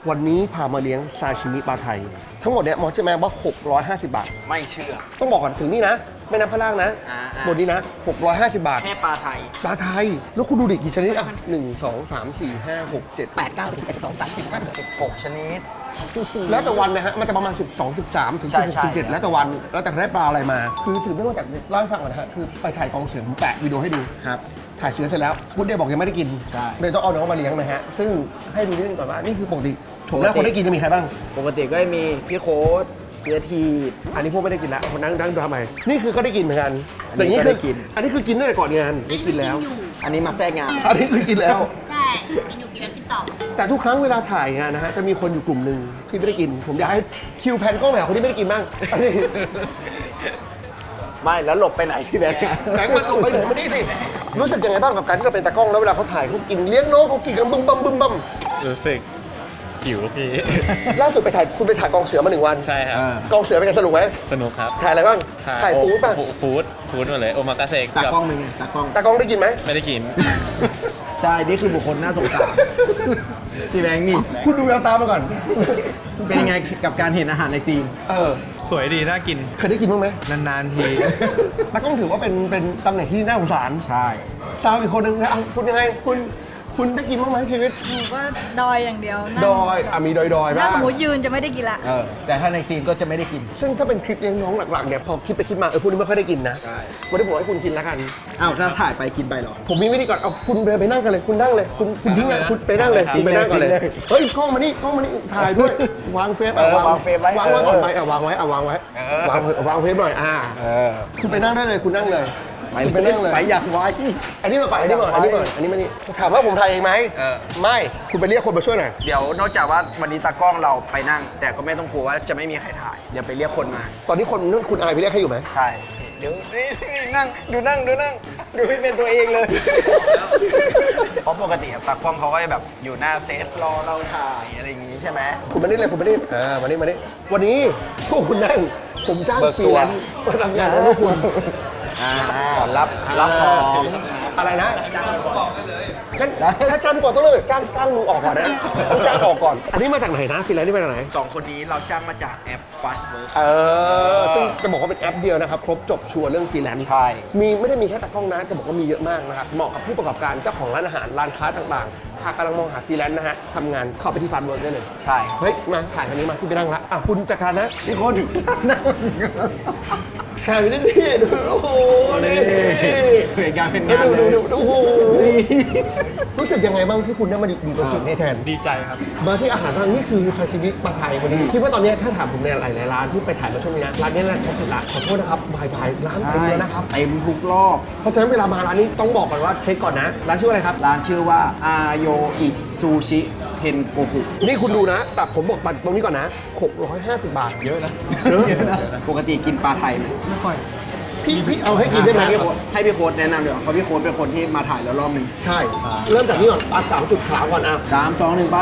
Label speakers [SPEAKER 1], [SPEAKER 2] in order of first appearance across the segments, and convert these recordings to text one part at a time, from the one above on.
[SPEAKER 1] วันนี้พามาเลี้ยงซาชิมิปลาไทยทั้งหมดเนี่ยหมอเชื่อไหมว่า650 บาท
[SPEAKER 2] ไม่เชื่อ
[SPEAKER 1] ต้องบอกก่อนถึงนี่นะแม่น้ำพระล่างนะบนนี้นะ650 บาท
[SPEAKER 2] แค่ปลาไทย
[SPEAKER 1] ปลาไทยแล้วคุณดูดิกี่ชนิดอ่ะ1 2 3 4 5 6 7 8 9 10 11 12 13 14 15 16
[SPEAKER 2] 6ชนิด
[SPEAKER 1] แล้วแต่วันนะฮะมันจะประมาณ12 13ถึง16 17แล้วแต่วันแล้วแต่ได้ปลาอะไรมาคือถือเนื่องจากเล่าให้ฟังก่อนนะฮะคือไปถ่ายกองเสือผมแปะวิดีโอให้ดู
[SPEAKER 2] ครับ
[SPEAKER 1] ถ่ายเสือเสร็จแล้วพุทธเดย์บอกยังไม่ได้กินเลยต้องเอาน้องมาเลี้ยงนะฮะซึ่งให้ดูนิดนึงก่อนว่านี่คือปกติโฉมหน้าคนได้กินจะมีใครบ้าง
[SPEAKER 2] ปกติก็มีพี่โค้ดเสียที
[SPEAKER 1] อันนี้พวกไม่ได้กินแล้วคนนั่งดูทำไมนี่คือก็ได้กินเหมือนกันแต่
[SPEAKER 2] นี่
[SPEAKER 1] คืออันนี้คือกินตั้งแต่ก่อนงานนี่กินแล้ว
[SPEAKER 2] อันนี้มาแทรกงาน
[SPEAKER 1] อันนี้คือกินแล้ว
[SPEAKER 3] ใช่กินอยู่กินแล้วกินต่อ
[SPEAKER 1] แต่ทุกครั้งเวลาถ่ายงานนะฮะจะมีคนอยู่กลุ่มหนึ่งที่ไม่ได้กินผมอยากให้คิวแพนกล้องหาคนที่ไม่ได้กินบ้าง
[SPEAKER 2] ไม่แล้วหลบไปไหนพี่แบงค์
[SPEAKER 1] แบงค์มันหลบไปไหนมานี่สิรู้สึกยังไงบ้างกับการที่เราเป็นตากล้องแล้วเวลาเขาถ่ายเขากินเลี้ยงน้องเขากินกันบึ้มบั้ม
[SPEAKER 4] รู้สึกหิวพี่
[SPEAKER 1] ล่าสุดไปถ่ายคุณไปถ่ายกองเสือมา1 วัน
[SPEAKER 4] ใช่ครับ
[SPEAKER 1] กองเสือเป็นไงสนุกไหม
[SPEAKER 4] สนุกครับ
[SPEAKER 1] ถ่ายอะไรบ้างถ่ายฟู้ดป่ะ
[SPEAKER 4] ฟู้ดหมดเลยโอมากาเสก
[SPEAKER 2] ตากล้องมึงตาก
[SPEAKER 1] ล้องได้กินไหม
[SPEAKER 4] ไม่ได้กิน
[SPEAKER 2] ใช่นี่คือบุคคลน่าสงสารพี่แบงค์นี่
[SPEAKER 1] คุณดูแววตามาก่อน
[SPEAKER 2] เป็นยังไงกับการเห็นอาหารในซีน
[SPEAKER 4] สวยดีน่ากิน
[SPEAKER 1] เคยได้กินบ้างไหม
[SPEAKER 4] นานๆที
[SPEAKER 1] ตากล้องถือว่าเป็นตำแหน่งที่น่าสงสาร
[SPEAKER 2] ใช่
[SPEAKER 1] สาวอีกคนนึงนะคุณยังไงคุณได้กินบ้างไหมชีวิต
[SPEAKER 3] หนูก็ดอยอย่างเดียว
[SPEAKER 1] ดอยมีดอยบ้าง
[SPEAKER 3] ถ้าสมมติยืนจะไม่ได้กินละ
[SPEAKER 2] แต่ถ้าในซีนก็จะไม่ได้กิน
[SPEAKER 1] ซึ่งถ้าเป็นคลิปเลี้ยงน้องหลักๆเนี่ยพอคิดไปคิดมาพวกนี้ไม่ค่อยได้กินนะ
[SPEAKER 2] ใช่
[SPEAKER 1] วันนี้ผมให้คุณกินแล้วกัน
[SPEAKER 2] อ้าวถ้าถ่ายไปกินไปหรอ
[SPEAKER 1] ผมมีวิธีก่อนเอาคุณเดินไปนั่งกันเลยคุณนั่งเลยคุณทิ้งอ่ะคุณไปนั่งเลยคุณไปนั่งก่อนเลยเฮ้ยกล้องมานี่ถ่ายด้วยวางเฟซ
[SPEAKER 2] วางเฟซไว้
[SPEAKER 1] วางไว้ก่อนไปวางไว้วางเฟซหน่อยคุณไปนั่งได้เลยคุณนั่งเลย
[SPEAKER 2] ไปนั่งเลยไปอยากไว้
[SPEAKER 1] อันนี้มาอันนี้มานี่ถามว่าผมถ่ายเองไหมไม่คุณไปเรียกคนมาช่วยหน่อย
[SPEAKER 2] เดี๋ยวนอกจากว่าวันนี้ตากล้องเราไปนั่งแต่ก็ไม่ต้องกลัวว่าจะไม่มีใครถ่ายเดี๋ยวไปเรียกคนมา
[SPEAKER 1] ตอนนี้คนนู่นคุณอายไปเรียกให้อยู่ไหม
[SPEAKER 2] ใช่เดี๋ยวนั่งดูไม่เป็นตัวเองเลยเพราะปกติตากล้องเขาก็แบบอยู่หน้าเซตรอเราถ่ายอะไรอย่างงี้ใช่ไหม
[SPEAKER 1] คุณมานี่เลยคุณมานี่มานี่วันนี้พวกคุณนั่งผมจ้างฟรีแลนซ์มาทำงานให้พวกคุณ
[SPEAKER 2] รับของ
[SPEAKER 1] อะไรนะงั้นถ้าจ้างก่อนต้องเริ่มจ้างมึงออกก่อนนะจ้างออกก่อนอันนี้มาจากไหนนะฟรีแลนซ์นี่มาจากไหน
[SPEAKER 2] 2 คนนี้เราจ้างมาจากแอป Fastwork
[SPEAKER 1] ซึ่งจะบอกว่าเป็นแอปเดียวนะครับครบจบชัวร์เรื่องฟรีแลนซ์
[SPEAKER 2] ใช่
[SPEAKER 1] ไม่ได้มีแค่ตากล้องนะจะบอกว่ามีเยอะมากนะครับเหมาะกับผู้ประกอบการเจ้าของร้านอาหารร้านค้าต่างๆหากกำลังมองหาฟรีแลนซ์นะฮะทำงานเข้าไปที่ Fastwork ได้เลย
[SPEAKER 2] ใช่
[SPEAKER 1] เฮ้ยมาถ่ายคันนี้มาที่ไปนั่งละคุณจัดการนะนี่คนนั่งแชร์ไปนิดนึงดูโอ้โหนี่
[SPEAKER 2] เหตุการณ์เป็นงานเลย
[SPEAKER 1] โอ้โหรู้สึกยังไงบ้างที่คุณได้มาอยู่ตรงจุดนี้แทน
[SPEAKER 4] ดีใจครับ
[SPEAKER 1] มาที่อาหารทางนี้คือซาชิมิปลาไทยวันนี้คิดว่าตอนนี้ถ้าถามผมในหลายร้านที่ไปถ่ายมาช่วงนี้นะร้านนี้น่าจะสุดละขอโทษนะครับบายร้านเต็มเลยนะครับ
[SPEAKER 2] เต็มทุกรอบ
[SPEAKER 1] เพราะฉะนั้นเวลามาร้านนี้ต้องบอกก่อนว่าเช็คก่อนนะร้านชื่ออะไรครับ
[SPEAKER 2] ร้านชื่อว่าอาโยอิซูชิเทนโกคุ
[SPEAKER 1] นี่คุณดูนะแต่ผมบอกตรงนี้ก่อนนะ650 บาท
[SPEAKER 4] เยอะนะ
[SPEAKER 2] ปกติกินปลาไทยไหม
[SPEAKER 4] ไม่ค่อย
[SPEAKER 1] พี่เอาให้กินได้ไหม
[SPEAKER 2] ให้พี่โค้ดแนะนำเลยเพราะพี่โค้ดเป็นคนที่มาถ่ายแล้วรอบนึง
[SPEAKER 1] ใช่เริ่มจากนี้ก่อนปลา3 จุดขาวก่อน
[SPEAKER 2] 3 2 1ไป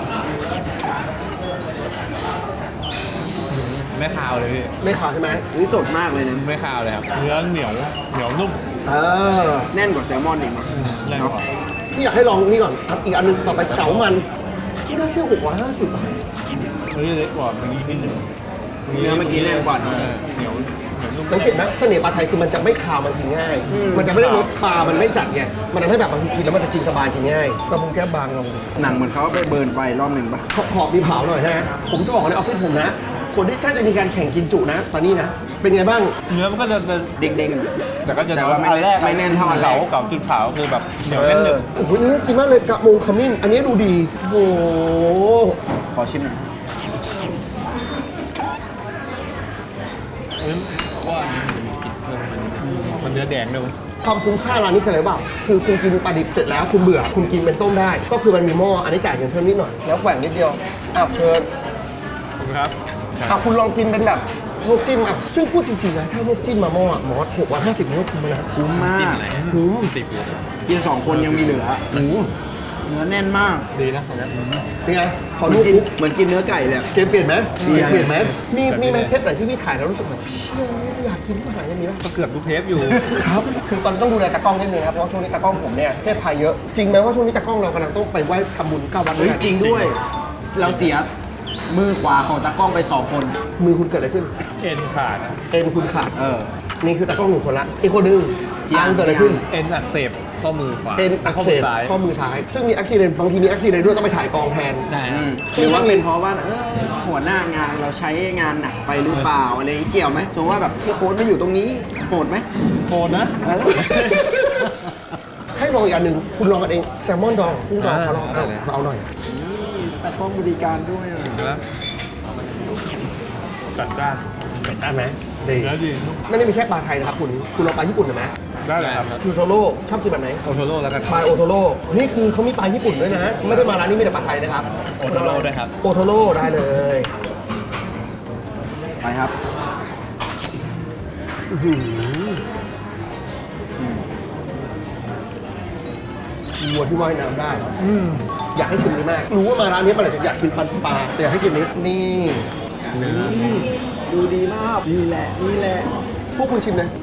[SPEAKER 4] ไม่คาวเลยพี่
[SPEAKER 1] ไม่ขาวใช่ไหม
[SPEAKER 2] นี่สดมากเลยนะ
[SPEAKER 4] ไม่คาวเลยครับเนื้อเหนียวนุ่ม
[SPEAKER 2] แน่นกว่าแซลมอนอีกมั้ง
[SPEAKER 4] แน่นกว่า
[SPEAKER 1] พี่อยากให้ลองนี่ก่อนอีกอันนึงต่อไปเก๋ามันที่น่าเชื่อ650 บาท
[SPEAKER 4] เล็กกว่าเมื่อกี้นิดนึง
[SPEAKER 2] เนื้อเมื่อกี้แน่นกว่า
[SPEAKER 4] เหนียว
[SPEAKER 1] สังเกตไหมเสน่ห์ปลาไทยคือมันจะไม่คาวมันกินง่ายมันจะไม่ได้รสปลามันไม่จัดไงมันทำให้แบบบางทีกินแล้วมันจะกินสบายกินง่ายกระพุ้งแก้บางลง
[SPEAKER 2] หนังเหมือนเขาไปเบิร์นไปรอบหนึ่งป่ะ
[SPEAKER 1] ขอบมีเผาหน่อยฮะผมจะบอกในออฟฟิศผมนะคนที่ถ้าจะมีการแข่งกินจุนะตอนนี้นะเป็นไงบ้าง
[SPEAKER 4] เนื้อมันก็จะ
[SPEAKER 2] เด้ง
[SPEAKER 4] ๆแต่ก็จะ
[SPEAKER 2] ว่าไม่แน่นเท่า
[SPEAKER 4] เก่าจุดขาวคือแบบเหนียวแน่นหนึบ
[SPEAKER 1] โอ้โหเนื้อกินมากเลยกระมงขมิ้นอันนี้ดูดีโอ้โห
[SPEAKER 2] ขอชิมหน่อย
[SPEAKER 4] ว่ามันเนื้อแดงด้วย
[SPEAKER 1] ความคุ้มค่าร้านนี้คืออะไรบ้างคือคุณกินปลาดิบเสร็จแล้วคุณเบื่อคุณกินเป็นต้มได้ก็คือมันมีหม้ออันนี้จ่ายเงินเพิ่มนิดหน่อยแล้วแกว่งนิดเดียวเชิญ
[SPEAKER 4] ครับ
[SPEAKER 1] คุณลองกินเป็นแบบลวกจิ้มซึ่งพูดจริงๆนะถ้าลวกจิ้มมาหม้อหมอ650มันก็คุ้มนะ
[SPEAKER 2] คุ้มมากกิน2 คนยังมีเหลือเนื้อแน่นมาก
[SPEAKER 4] ดีนะ
[SPEAKER 1] เป็นไงขอดู
[SPEAKER 2] เหมือนกินเนื้อไก่เลย
[SPEAKER 1] เกมเปลี่ยนไหมเปลี่ยนไหมมีแมนเทปไหนที่พี่ถ่ายแล้วรู้สึกแบบอยากกินอาหารอย่างนี้ไหม
[SPEAKER 4] ก็เกือบทุกเทปอยู่
[SPEAKER 1] ครับคือตอนต้องดูแลตากล้องนิดนึงครับเพราะช่วงนี้ตากล้องผมเนี่ยเพศภัยเยอะจริงไหมว่าช่วงนี้ตากล้องเรากำลังต้องไปไหว้ทำบุญ9 วัด
[SPEAKER 2] จริงด้วยเราเสียมือขวาของตากล้องไป 2 คน
[SPEAKER 1] มือคุณเกิดอะไรขึ้น
[SPEAKER 4] เอ็นขาด
[SPEAKER 1] เอ็นคุณขาด นี่คือตากล้องหนึ่งคนละอีกคนหนึง
[SPEAKER 2] พี่อั
[SPEAKER 1] อั
[SPEAKER 2] ง
[SPEAKER 1] งเกิดอะไรขึ้น
[SPEAKER 4] เอ็นอักเสบข้อมือขวา
[SPEAKER 1] เอ็นอักเสบ
[SPEAKER 4] ซ้าย
[SPEAKER 1] ข้อมือซ้าย ซึ่งมีอุบิเหตุบางทีมีอุบิเหตุด้วยต้องไปถ่ายกองแทน
[SPEAKER 2] ใช่หรือว่าเป็นเพราะว่าหัวหน้างานเราใช้งานหนักไปหรือเปล่าอะไรอย่างงี้เกี่ยวไหมสมมติว่าแบบพี่โค้ดไม่อยู่ตรงนี้โหดไหม
[SPEAKER 4] โทนนะ
[SPEAKER 2] เออ
[SPEAKER 1] ให้ลองอีกอันหนึ่งคุณลองกันเองแซลมอนดองคุณลองเขาลองเอาหน่อย
[SPEAKER 2] ตากล้องบริการด้วย
[SPEAKER 4] แล้วจัดจ้าน
[SPEAKER 1] ได้ไหมดี
[SPEAKER 4] แล้วดี
[SPEAKER 1] ไม่ได้มีแค่ปลาไทยนะครับคุณลองปลาญี่ปุ่นหน่อยไหม
[SPEAKER 4] ได้เลยครับ
[SPEAKER 1] คือโทโร่ชอบกินแบบไหน
[SPEAKER 4] โอโทโร่แล้วกัน
[SPEAKER 1] ปลาโอโทโร่นี่คือเขามีปลาญี่ปุ่นด้วยนะ ไม่ได้มาร้านนี้มีแต่ปลาไทยนะครับ
[SPEAKER 2] โอโทโร่ด้วยครับ
[SPEAKER 1] โอโทโร่ได้เลย
[SPEAKER 2] ไปครับ
[SPEAKER 1] อื้อหือวัวที่ว่ายน้ำได้อยากให้ชิมนี้มาก รู้ว่ามาร้านนี้มาเลยอยากกินปลาแต่อยากให้กินนี้นี่นะ
[SPEAKER 2] ดูดีมากนี่แหละนี่แหละ
[SPEAKER 1] พวกคุณชิมเลย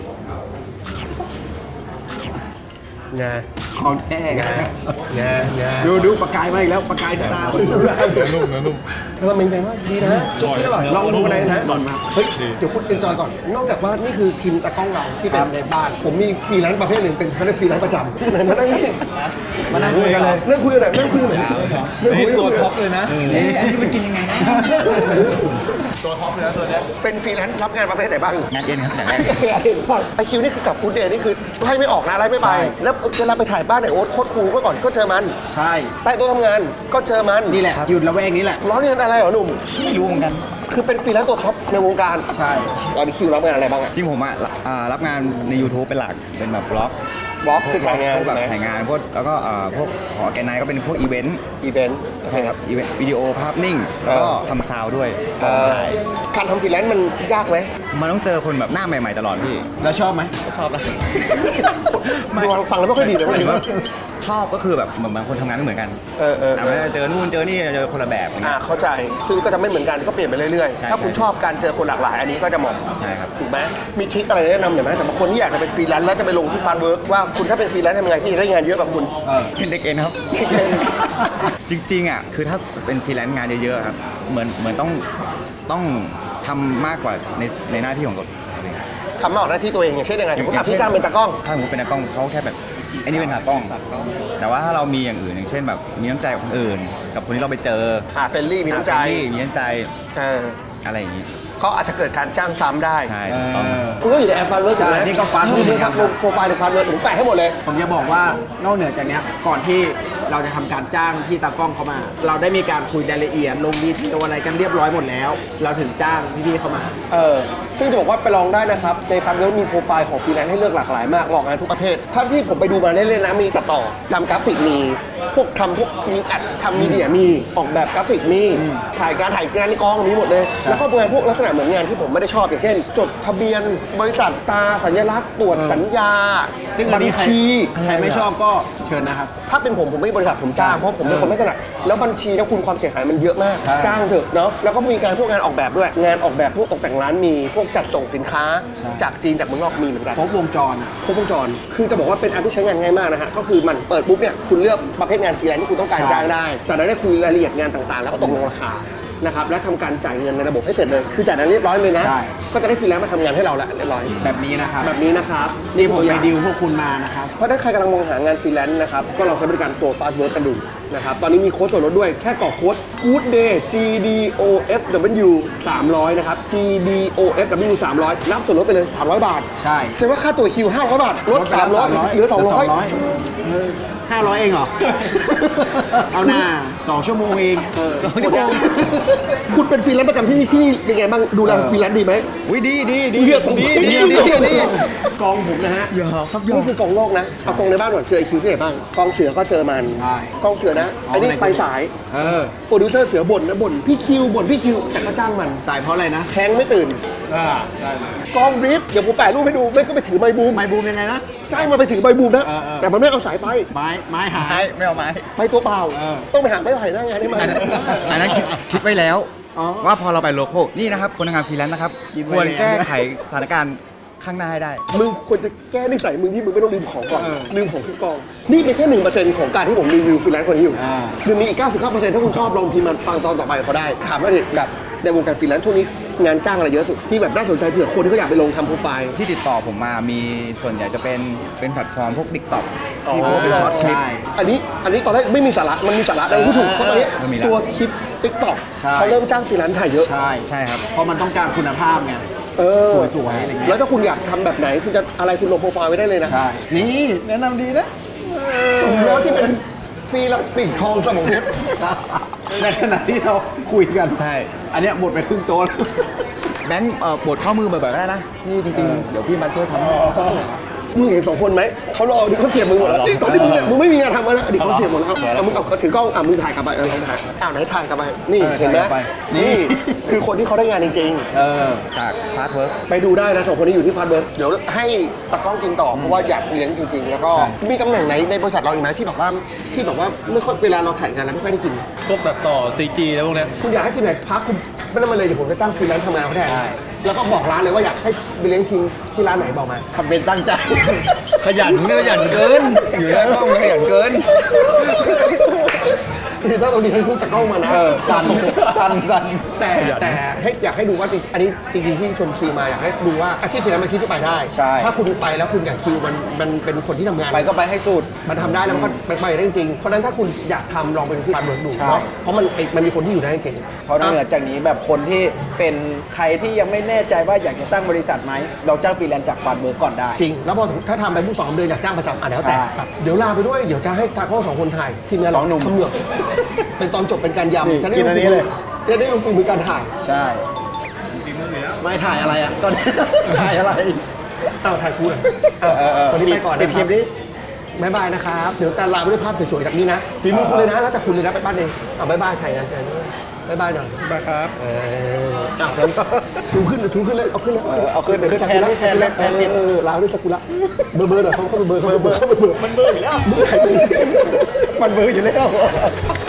[SPEAKER 1] งา
[SPEAKER 2] ของแท้
[SPEAKER 1] งางา
[SPEAKER 2] ดูประกายมาอีกแล้วประกายตา
[SPEAKER 4] เนื้อนุ่มเนื้อนุ่ม
[SPEAKER 1] เราเป็นไงว่าดีนะจุกที่อร่อยลองดูกันเลยนะ
[SPEAKER 2] อร่อยมาก
[SPEAKER 1] เฮ้ย
[SPEAKER 4] ดี
[SPEAKER 1] เดี๋ยวคุณเอนจอยก่อน นอกจากว่านี่คือทีมตากล้องเราที่เป็นในบ้าน ผมมีฟรีแลนซ์ประเภทหนึ่งเป็นเขาเรียกฟรีแลนซ์ประจำไหนมานั่งนี่
[SPEAKER 2] มานั่งคุยกันเลย
[SPEAKER 1] นั่งคุยกันหน่อยนั่งคุยกันหน่อยนั่งคุย
[SPEAKER 4] นี่ตัวท็อปเลยนะ
[SPEAKER 2] อันนี้มันกินยังไงนะ
[SPEAKER 4] ตัวท็อปเลยนะตัวเนี้ย
[SPEAKER 1] เป็นฟรีแลนซ์รับงานประเภทไหนบ้าง
[SPEAKER 2] งานเอ็นครับแต่แรก
[SPEAKER 1] ไอคิวนี่คือกับกูเดย์นี่คือไล่ไม่ออกนะไล่ไม่ไป
[SPEAKER 2] ใช่
[SPEAKER 1] แล้วเวลาไปถ่ายบ้านไหนโอ๊ตโคตรคูลเมื่อก่อนก็เจอมัน
[SPEAKER 2] ใช่
[SPEAKER 1] ใต้โต๊ะทำงานก็เจอมัน
[SPEAKER 2] นี่แหละหยุดละแวกนี้แหละ
[SPEAKER 1] ร้อนเรียนอะไรเหรอหนุ่ม
[SPEAKER 2] ไม่รู้เหมือนกัน
[SPEAKER 1] คือเป็นฟรีแลนซ์ตัวท็อปในวงการ
[SPEAKER 2] ใช่
[SPEAKER 1] ตอนนี้คิวรับงานอะไรบ้างอะ
[SPEAKER 5] ที่ผมอ่ะรับงานใน YouTube เป็นหลัก เป็นแบบบล็อก
[SPEAKER 1] บล็อกคือถ่ายงาน
[SPEAKER 5] พวกแบบ
[SPEAKER 1] ใช่ไหม
[SPEAKER 5] ถ่ายงานพวกแล้วก็พวกของออแกไนก็เป็นพวกอีเวนต์
[SPEAKER 1] อีเวนต์
[SPEAKER 5] ใช่ครับอีเวนต์วิดีโอภาพนิ่ง แล้วก็ทำซาวด์ด้วยกองถ่าย
[SPEAKER 1] การทำฟรีแลนซ์มันยากไหม
[SPEAKER 5] มันต้องเจอคนแบบหน้าใหม่ๆตลอดพี่
[SPEAKER 2] แล้วชอบไหม
[SPEAKER 5] ชอบนะ
[SPEAKER 1] ฟังแล้วไม่ค่อยดีเลย
[SPEAKER 5] หมายถึง
[SPEAKER 1] ว่า
[SPEAKER 5] ว่าชอบก็คือแบบเหมือนบางคนทำงานไม่เหมือนกัน
[SPEAKER 1] แต่
[SPEAKER 5] ไม่ได้เจอนู่นเจอนี่เจอคนละแบบอย่างเงี้ย
[SPEAKER 1] เข้าใจซึ่งก็จะไม่เหมือนกันก็เปลี่ยนไปเรื่อย
[SPEAKER 5] ใช่
[SPEAKER 1] ๆ ถ้าคุณ
[SPEAKER 5] ใช่
[SPEAKER 1] ชอบการเจอคนหลากหลายอันนี้ก็จะเหมาะ
[SPEAKER 5] ใช่ครับ
[SPEAKER 1] ถูกไหมมีทริคอะไรแนะนำหน่อยไหมแต่บางคนที่อยากจะเป็นฟรีแลนซ์แล้วจะไปลงที่ฟาร์เวิร์กว่าคุณถ้าเป็นฟรีแลนซ์ทำไงที่จะได้งานเยอะแบบคุณ
[SPEAKER 5] เป็นเด็กเอ็นครับ จริงๆอ่ะคือถ้าเป็นฟรีแลนซ์งานเยอะๆครับเหมือนต้องทำมากกว่าในหน้าที่ของตัวเอง
[SPEAKER 1] ทำมาออกหน้าที่ตัวเองอย่างเช่นยังไงสมมติพี่จ้างเป็นตากล้อง
[SPEAKER 5] ถ้าสมมติเป็นตากล้องเขาแค่แบบไอ้นี่เป็นตากล้อง แต่ว่าถ้าเรามีอย่างอื่นอย่างเช่นแบบมีน้ำใจกับคนอื่น กับคนที่เราไปเจอ
[SPEAKER 1] เฟรนลี่มีน้ำใจ
[SPEAKER 5] มีน้ำใจ
[SPEAKER 1] เออ
[SPEAKER 5] อะไรอย่างนี้
[SPEAKER 1] ก็อาจจะเกิดการจ้างซ้ำได้
[SPEAKER 5] ใช่ถูกต้อง
[SPEAKER 1] คุณก็อยู่ในแอปฟาร์เวิร์กถูกไหม
[SPEAKER 2] ใช่นี่ก็ Firework
[SPEAKER 1] นี่ครับลงโปรไฟล์ในฟาร์เวิร์กผมแปะให้หมดเลย
[SPEAKER 2] ผมจะบอกว่านอกเหนือจากเนี้ยก่อนที่เราจะทำการจ้างพี่ตากล้องเขามา เราได้มีการคุยรายละเอียดลงดีเทลอะไรกันเรียบร้อยหมดแล้ว เราถึงจ้างพี่ๆเขามา
[SPEAKER 1] ซึ่งจะบอกว่าไปลองได้นะครับ ในฟาร์เวิร์กมีโปรไฟล์ของฟรีแลนซ์ให้เลือกหลากหลายมากออกงานทุกประเภทถ้าที่ผมไปดูมาเล่นๆนะมีตัดต่อทำกราฟิกมีพวกยิงอัดทำมีเดียมีออกแบบกราฟิกมีถ่ายงานในกองมีหมดเลย แล้วก็งานพวกลักษณะเหมือนงานที่ผมไม่ได้ชอบอย่างเช่น จดทะเบียนบริษัทตราสัญลักษณ์ตรวจสัญญา
[SPEAKER 2] ซึ่ง
[SPEAKER 1] บั
[SPEAKER 2] อันนี้
[SPEAKER 1] ญ
[SPEAKER 2] ใคร
[SPEAKER 1] ชี
[SPEAKER 2] ใครไม่ชอบก็เชิญนะครับ
[SPEAKER 1] ถ้าเป็นผมไม่บริษัทผมจ้างเพราะผมเป็นคนไม่ถนัดแล้วบัญชีนะคุณความเสียหายมันเยอะมาก
[SPEAKER 2] ใช่
[SPEAKER 1] จ้างเถอะเนาะแล้วก็มีการพวกงานออกแบบด้วยงานออกแบบพวกตกแต่งร้านมีพวกจัดส่งสินค้า จากจีนจากเมืองนอกมีเหมือนกัน
[SPEAKER 2] ครบวงจรอะ
[SPEAKER 1] ครบวงจรคือจะบอกว่าเป็นแอปที่ใช้งานง่ายมากนะฮะก็คือมันเปิดปุ๊บเนี่ยคุณเลือกประเภทงานฟรีแลนซ์ที่คุณต้องการ
[SPEAKER 2] ใช่
[SPEAKER 1] จ้างได้จากนั้นได้คุยรายละเอียดงานต่างๆ แล้วก็ตกลงราคานะครับและทำการจ่ายเงินในระบบให้เสร็จเลยคือจ่ายนั้นเรียบร้อยเลยนะ
[SPEAKER 2] ใช่
[SPEAKER 1] ก็จะได้ฟรีแลนซ์มาทำงานให้เราแล้วเรียบร้อย
[SPEAKER 2] แบบนี้นะครับ
[SPEAKER 1] แบบนี้นะครับ
[SPEAKER 2] นี่ผม
[SPEAKER 1] ตัวอ
[SPEAKER 2] ไป
[SPEAKER 1] ย่าง
[SPEAKER 2] ดิวพวกคุณมานะครับ
[SPEAKER 1] เพราะถ้าใครกำลังมองหางานฟรีแลนซ์นะครับ ก็ลองใช้บริการตัว Fast Work กันดูนะครับ ตอนนี้มีโค้ดส่วนลดด้วย แค่กรอกโค้ด Good Day GDOFW 300 นะครับ GDOFW 300 รับส่วนลดไปเลย 300 บาท
[SPEAKER 2] ใช่
[SPEAKER 1] แสดงว่าค่าตัวคิว 500 บาท ลด
[SPEAKER 2] ไปแล้ว
[SPEAKER 1] 300 เหลือ 200
[SPEAKER 2] 500 เองเหรอ เอาหน้า2 ชั่วโมงเอง
[SPEAKER 1] 2 ชั่วโมงคุณเป็นฟรีแลนซ์ประจำที่นี่เป็นไงบ้าง ดูแลฟรีแลนซ์ดีไหม
[SPEAKER 5] อุ้ยดี
[SPEAKER 1] เลือกตรง
[SPEAKER 5] ดี
[SPEAKER 1] ดีกองผมนะฮะ
[SPEAKER 5] อย่าครับอย่า
[SPEAKER 1] นี่คือกองโลกนะ เอากองในบ้านก่อนเจอไอคิวที่ไหนบ้าง กองเสือก็เจอมัน
[SPEAKER 2] ใช่
[SPEAKER 1] กองเสือนะไอ้นี่ไปสาย โปรดิวเซอร์เสือบ่นนะบ่นพี่คิวบ่นพี่คิวแต่ก็จ้างมัน
[SPEAKER 2] สายเพราะอะไรนะ
[SPEAKER 1] แทงไม่ตื่น
[SPEAKER 4] ได้เลย
[SPEAKER 1] กองบรีฟเดี๋ยวผมแปะรูปให้ดูไม่ก็ไปถือไมค์บูม
[SPEAKER 2] ไมค์บูมยังไงนะ
[SPEAKER 1] จ้างมาไปถือไมค์บูมนะ
[SPEAKER 2] เออ
[SPEAKER 1] แต่มันไม่เอาสายไป
[SPEAKER 2] ไม้หาย
[SPEAKER 5] ไม่เอาไม้
[SPEAKER 1] ไปตัวเปล่า
[SPEAKER 2] เออ
[SPEAKER 1] ต้องไปหาไม้ไผ่หน้างานให้มัน
[SPEAKER 5] อันนั้นคิดไว้แล้ว
[SPEAKER 2] อ๋อ
[SPEAKER 5] ว่าพอเราไปโลโก้นี่นะครับคนทำงานฟรีแลนซ์นะครับ
[SPEAKER 2] คิดไว้
[SPEAKER 5] ควร
[SPEAKER 2] แล้ว
[SPEAKER 5] แก้ไขสถานการณ์ข้างหน้าให้ได้
[SPEAKER 1] มึงควรจะแก้นิสัยมึงที่มึงไม่ต้องลืมของก่อน
[SPEAKER 2] เออ
[SPEAKER 1] ลืมของทุกกอง นี่เป็นแค่ 1% ของการที่ผมรีวิวฟรีแลนซ์คนนี้อยู่
[SPEAKER 2] อ่า
[SPEAKER 1] คือมีอีก 99%ถ้าคุณชอบลองพิมพ์มาฟังตอนต่อไปเขาได้ ถามว่าดิแบบในวงการฟรีแลนซ์ช่วงนี้งานจ้างอะไรเยอะสุดที่แบบน่าสนใจเผื่อคนที่เขาอยากไปลงทำโปรไฟล์
[SPEAKER 5] ที่ติดต่อผมมามีส่วนใหญ่จะเป็นแพลตฟอร์มพวก TikTok ที่พวกเป็นช็อตคลิป
[SPEAKER 2] ใช่
[SPEAKER 1] อันนี้ตอนแรกไม่มีสาระมันมีสาระแต่พูดถูกเพราะตอนนี้
[SPEAKER 5] มันมีแล้ว
[SPEAKER 1] ตัวคลิป TikTok
[SPEAKER 2] ใช่
[SPEAKER 1] เขาเริ่มจ้างฟรีแลนซ์ถ่ายเยอะ
[SPEAKER 2] ใช่
[SPEAKER 5] ใช่ครับ
[SPEAKER 2] เพราะมันต้องการคุณภาพไง
[SPEAKER 1] เออ
[SPEAKER 2] สวยๆอะไรเงี้ย
[SPEAKER 1] แล้วถ้าคุณอยากทำแบบไหนคุณจะอะไรคุณลงโปรไฟล์ไว้ได้เลยนะ
[SPEAKER 2] ใช่ นี่แนะนำดีนะ
[SPEAKER 1] สมแล้วที่เป็นฟรีแล้วปีกทองสมองเพชร
[SPEAKER 2] ในขณะที่เราคุยกัน
[SPEAKER 5] ใช่
[SPEAKER 2] อันเนี้ยหมดไปครึ่งโต๊ะแล้ว
[SPEAKER 5] แบงค์ปวดข้อมือบ่อยๆก็ได้นะที่จริงๆ เดี๋ยวพี่มาช่วยทำให้
[SPEAKER 1] มึงเห็นสองคนไหมเขารอดิเขาเสียบมึงหมดแล้วนี่ตอนที่มึงเนี่ยมึงไม่มีงานทำแล้วนะอดีตเขาเสียบหมดแล้วเอามึงเอาถือกล้องมึงถ่ายกลับไปลองถ่ายไหนถ่ายกลับไปนี่เห็นไหม
[SPEAKER 2] ถ่ายกลับไป
[SPEAKER 1] นี่คือคนที่เขาได้งานจริง
[SPEAKER 2] เออ
[SPEAKER 5] จากฟาสต์เวิร์ก
[SPEAKER 1] ๆไปดูได้นะสองคนนี้อยู่ที่ฟาสเบิร์กเดี๋ยวให้ตากล้องกินต่อเพราะว่าอยากเลี้ยงจริงๆ แล้วก็มีตำแหน่งไหนในบริษัทเราอีกไหมที่แบบว่าไม่ค่อยเวลาเราถ่ายงานแล้วไม่ค่อยได้กิน
[SPEAKER 4] พวกตัดต่อ CG แล้วพวกเนี้ย
[SPEAKER 1] คุณอยากให้ทีมไหนพักคุณไม่ต้องมาเลยเดี๋ยวผมจะจ้างฟรีแลนซ์ทำงานเขาแทนแล้วก็บอกร้านเลยว่าอยากให้ไปเลี้ยงทีมที่ร้านไหนบอกมา
[SPEAKER 2] ทำเป็นตั้งใจ
[SPEAKER 5] ขยันเกิน อยู่หน้ากล้องขยันเกิน
[SPEAKER 1] คือถ้าตรงนี้ให้พูดจากกล้องมานะ
[SPEAKER 2] เออสั่นสั่น
[SPEAKER 1] แต่ให้อยากให้ดูว่าจริงอันนี้จริงๆที่ชวนซีมาอยากให้ดูว่าอาชีพฟรีแลนซ์เป็นอาชีพที่ไปได้
[SPEAKER 2] ใช่
[SPEAKER 1] ถ้าคุณไปแล้วคุณอยากคิวมันเป็นคนที่ทำงาน
[SPEAKER 2] ไปก็ไปให้สุด
[SPEAKER 1] มันทำได้แล้วมันก็ไปได้จริงๆเพราะฉะนั้นถ้าคุณอยากทำลองไปที่การเมืองดู
[SPEAKER 2] ใช่
[SPEAKER 1] เนาะเพราะมันมีคนที่อยู่ได้จริง
[SPEAKER 2] เพราะนอกเหนือจากนี้แบบคนที่เป็นใครที่ยังไม่แน่ใจว่าอยากจะตั้งบริษัทไหม เราจ้างฟรีแลนซ์จากฟาร์มเวิร์กก่อนได้
[SPEAKER 1] จริง แล้วพอถ้าทำไปผู้2 เดือนอยากจ้างประจำแล้วแต่
[SPEAKER 2] ใช่
[SPEAKER 1] ครับเดี๋ยวลาไปด้วยเดี๋ยวจะให้ตากล้อง2 คนถ่ายทีมงาน
[SPEAKER 2] สองหนุ่ม
[SPEAKER 1] เขมือบเป็นตอนจบเป็นการ
[SPEAKER 2] นี่
[SPEAKER 1] ยำจะได้
[SPEAKER 2] กินอันนี้เลย
[SPEAKER 1] จะได้ลงฝีมือการถ่าย
[SPEAKER 2] ใช่ ไม่ถ่ายอะไรอ่ะ ตอนนี้ ถ่ายอะไร
[SPEAKER 1] เอาถ่ายคู่เลย วันนี้ไปก่อน
[SPEAKER 2] ปิด
[SPEAKER 1] นะ
[SPEAKER 2] คลิปดิ
[SPEAKER 1] บ๊ายบายนะครับ เดี๋ยวแต่ลาไปด้วยภาพสวยๆจากนี้นะฝีมือคุณเลยนะ แล้วแต่คุณเลยนะไปบ้านเองเอาบ๊ายบายถ่ายงานกันบ๊ายบายหน่อย
[SPEAKER 4] มาครับ
[SPEAKER 1] ชูขึ้นเลย เอาขึ้นเลย
[SPEAKER 2] เอาขึ้นแทน
[SPEAKER 1] ลาด้วยซากุระเบอร์หน่อยเขาเบอร์มันเบอร์อยู่แล้ว
[SPEAKER 2] มันเบอร์อยู่แล้ว